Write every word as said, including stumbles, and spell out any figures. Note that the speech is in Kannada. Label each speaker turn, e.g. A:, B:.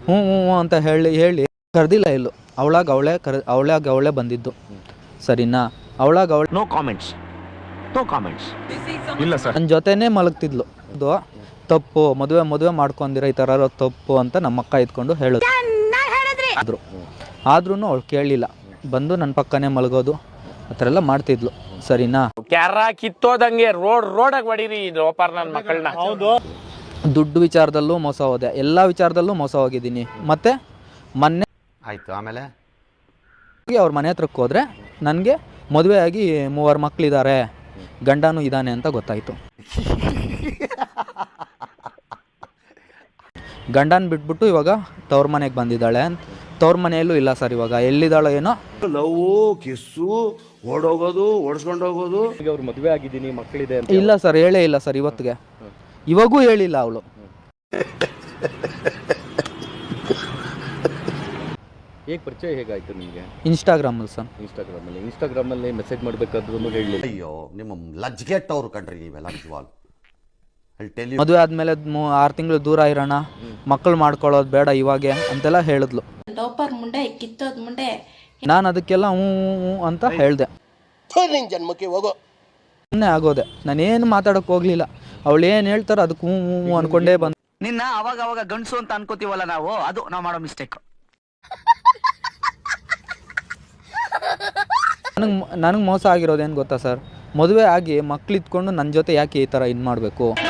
A: ಹ್ಞೂ ಹ್ಞೂ ಅಂತ ಹೇಳಿ ಹೇಳಿ ಕರೆದಿಲ್ಲ ಎಲ್ಲೂ. ಅವಳಾಗ ಅವಳೇ ಕರ್ ಅವಳಾಗ ಅವಳೇ ಬಂದಿದ್ದು ಸರಿನಾ. ಅವಳಾಗ ಅವಳು
B: ನೋ ಕಾಮೆಂಟ್ಸ್ ನೋ ಕಾಮೆಂಟ್ಸ್ ಇಲ್ಲ ಸರ್.
A: ನನ್ನ ಜೊತೆನೇ ಮಲಗ್ತಿದ್ಲು. ಅದು ತಪ್ಪು, ಮದುವೆ ಮದುವೆ ಮಾಡ್ಕೊಂಡಿರೋ ಈ ಥರ ತಪ್ಪು ಅಂತ ನಮ್ಮ ಅಕ್ಕ ಇದ್ಕೊಂಡು ಹೇಳಿದ್ರು. ಆದರೂ ಆದ್ರೂ ಅವಳು ಕೇಳಲಿಲ್ಲ, ಬಂದು ನನ್ನ ಪಕ್ಕನೇ ಮಲಗೋದು ಆ ಥರ ಎಲ್ಲ ಮಾಡ್ತಿದ್ಲು ಸರಿನಾ.
C: ಕ್ಯಾರ ಕಿತ್ತೋದಂಗೆ ರೋಡ್ ರೋಡಾಗಿ ಹೊಡೀರಿ ಲೋಪಾರ್ ನನ್ನ ಮಕ್ಕಳನ್ನ. ಹೌದು,
A: ದುಡ್ಡು ವಿಚಾರದಲ್ಲೂ ಮೋಸ ಹೋದೆ, ಎಲ್ಲ ವಿಚಾರದಲ್ಲೂ ಮೋಸ ಹೋಗಿದ್ದೀನಿ. ಮತ್ತು ಮೊನ್ನೆ
B: ಆಯಿತು, ಆಮೇಲೆ
A: ಅವ್ರ ಮನೆ ಹತ್ರಕ್ಕೆ ಹೋದರೆ ನನಗೆ ಮದುವೆ ಆಗಿ ಮೂವರು ಮಕ್ಕಳಿದ್ದಾರೆ, ಗಂಡನೂ ಇದ್ದಾನೆ ಅಂತ ಗೊತ್ತಾಯಿತು. ಗಂಡನ ಬಿಟ್ಬಿಟ್ಟು ಇವಾಗ ತವ್ರ ಮನೆಗೆ ಬಂದಿದ್ದಾಳೆ. ತವ್ರ ಮನೆಯಲ್ಲೂ ಇಲ್ಲ ಸರ್, ಇವಾಗ ಎಲ್ಲಿದ್ದಾಳೋ ಏನೋ.
D: ಲವ್ ಕಿಸ್ಸು ಓಡೋಗೋದು ಓಡಿಸ್ಕೊಂಡು ಹೋಗೋದು.
E: ಈಗ ಅವ್ರು ಮದುವೆ ಆಗಿದ್ದೀನಿ, ಮಕ್ಕಳಿದೆ ಅಂತ
A: ಇಲ್ಲ ಸರ್, ಹೇಳೇ ಇಲ್ಲ ಸರ್ ಇವತ್ತಿಗೆ, ಇವಾಗೂ ಹೇಳಿಲ್ಲ ಅವಳು.
E: ಹೇಗೆ ಪರಿಚಯ ಹೇಗಾಯ್ತು ನಿಮಗೆ?
A: ಇನ್ಸ್ಟಾಗ್ರಾಮಲ್ಲಿ ಸರ್.
E: ಇನ್ಸ್ಟಾಗ್ರಾಮಲ್ಲಿ ಇನ್ಸ್ಟಾಗ್ರಾಮಲ್ಲಿ ಮೆಸೇಜ್ ಮಾಡಬೇಕಾದ್ರೂ ಹೇಳಲಿಲ್ಲ.
D: ಅಯ್ಯೋ ನಿಮ್ಮ ಲಜ್ಗೆಟ್ಟವ್ರು ಕಂಡ್ರಿ ನೀವೆಲ್ಲ ನಿಜವಾಗ್ಲು.
A: ಮದುವೆ ಆದಮೇಲೆ ಆರು ತಿಂಗಳು ದೂರ ಇರೋಣ, ಮಕ್ಕಳು ಮಾಡ್ಕೊಳ್ಳೋದು ಬೇಡ ಇವಾಗೆ ಅಂತೆಲ್ಲ ಹೇಳಿದ್ಲು.
F: ಲೋಪರ್ ಮುಂಡೆ ಕಿತ್ತೋದ್ ಮುಂಡೆ.
A: ನಾನು ಅದಕ್ಕೆಲ್ಲ ಹ್ಞೂ ಹ್ಞೂ ಅಂತ ಹೇಳಿದೆ.
D: ಜನ್ಮಕ್ಕೆ ಹೋಗೋ
A: ಸುಮ್ಮನೆ ಆಗೋದೆ, ನಾನೇನು ಮಾತಾಡೋಕೆ ಹೋಗಲಿಲ್ಲ. ಅವಳು ಏನು ಹೇಳ್ತಾರೋ ಅದಕ್ಕೆ ಹ್ಞೂ ಹ್ಞೂ ಅಂದ್ಕೊಂಡೇ ಬಂದು.
G: ನಿನ್ನ ಅವಾಗ ಅವಾಗ ಗಂಡಸು ಅಂತ ಅನ್ಕೋತೀವಲ್ಲ ನಾವು, ಅದು ನಾವು ಮಾಡೋ ಮಿಸ್ಟೇಕ್.
A: ನನಗೆ ನನಗೆ ಮೋಸ ಆಗಿರೋದೇನು ಗೊತ್ತಾ ಸರ್, ಮದುವೆ ಆಗಿ ಮಕ್ಳು ಇಟ್ಕೊಂಡು ನನ್ನ ಜೊತೆ ಯಾಕೆ ಈ ಥರ ಇದು ಮಾಡಬೇಕು.